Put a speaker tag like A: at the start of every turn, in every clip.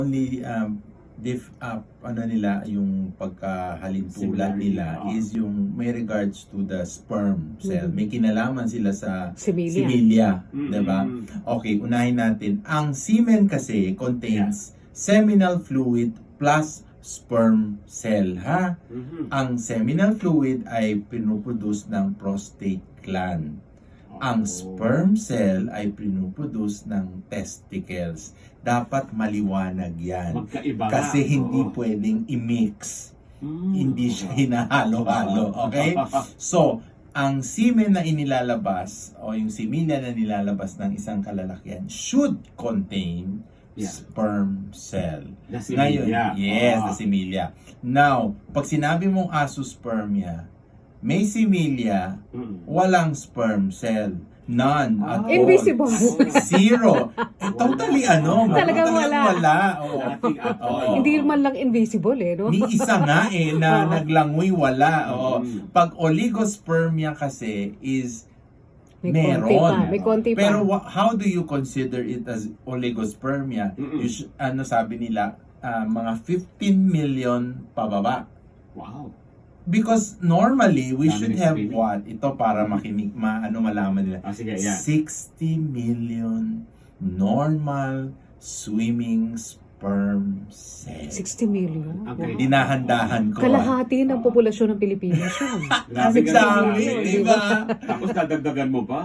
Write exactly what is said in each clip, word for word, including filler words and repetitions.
A: only um, diff, uh, ano nila, yung pagkahalintulan nila
B: oh.
A: is yung may regards to the sperm cell.
C: Mhm.
A: May kinalaman sila sa
C: Similia.
A: similia,
B: Mm-mm.
A: diba? Okay, unahin natin. Ang semen kasi contains seminal fluid plus sperm cell, ha?
B: Mhm.
A: Ang seminal fluid ay pinuproduce ng prostate gland. Ang
B: Oh.
A: sperm cell ay pinuproduce ng testicles. Dapat maliwanag yan.
B: Magkaiba nga,
A: Kasi hindi
B: oo.
A: pwedeng i-mix.
B: Mm.
A: Hindi siya hinahalo-halo. Okay? So, ang semen na inilalabas o yung similia na nilalabas ng isang kalalakihan should contain
B: Yeah.
A: sperm cell.
B: The
A: Ngayon,
B: similia.
A: yes,
B: Ah.
A: the similia. Now, pag sinabi mong asuspermia, may similia,
B: Mm.
A: walang sperm cell. None at
B: Ah.
A: all.
C: Invisible.
A: Zero. Eh, totally ano,
C: Talagang wala.
A: wala. Oo.
B: Nothing at all.
A: Oo.
C: Hindi man lang invisible eh, no?
A: Ni isa nga eh, na
C: Oo.
A: naglangoy, wala. Oo.
B: Mm.
A: Pag oligospermia kasi is
C: May
A: meron.
C: konti pa. May konti pa.
A: Pero wha- how do you consider it as oligospermia?
B: Mm-mm.
A: You sh- ano sabi nila, ah, mga fifteen million pababa.
B: Wow.
A: Because normally, we
B: Dami
A: should
B: ng
A: have
B: screening.
A: what? Ito para makinig, ma, ano malaman nila.
B: Ah, sige, yeah.
A: sixty million normal swimming sperm cells.
C: sixty million.
B: Ang
C: Wow.
A: Dinahandahan ko. ah.
C: Kalahati ng populasyon ng Pilipinas yun.
B: Grabe
A: Kasi
B: ka
A: sabi,
B: naman.
A: di ba?
B: Tapos dadagdagan mo pa?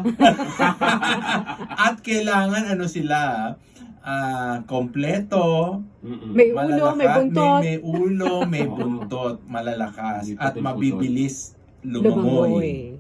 A: At kailangan ano sila, ah, kompleto,
B: Mm-mm.
C: May ulo, may
A: malalakas,
C: buntot.
A: may, may ulo, may
B: Oo.
A: buntot, malalakas,
B: Hindi
A: at
B: putol-putol.
A: mabibilis lumangoy.
C: Lumangoy.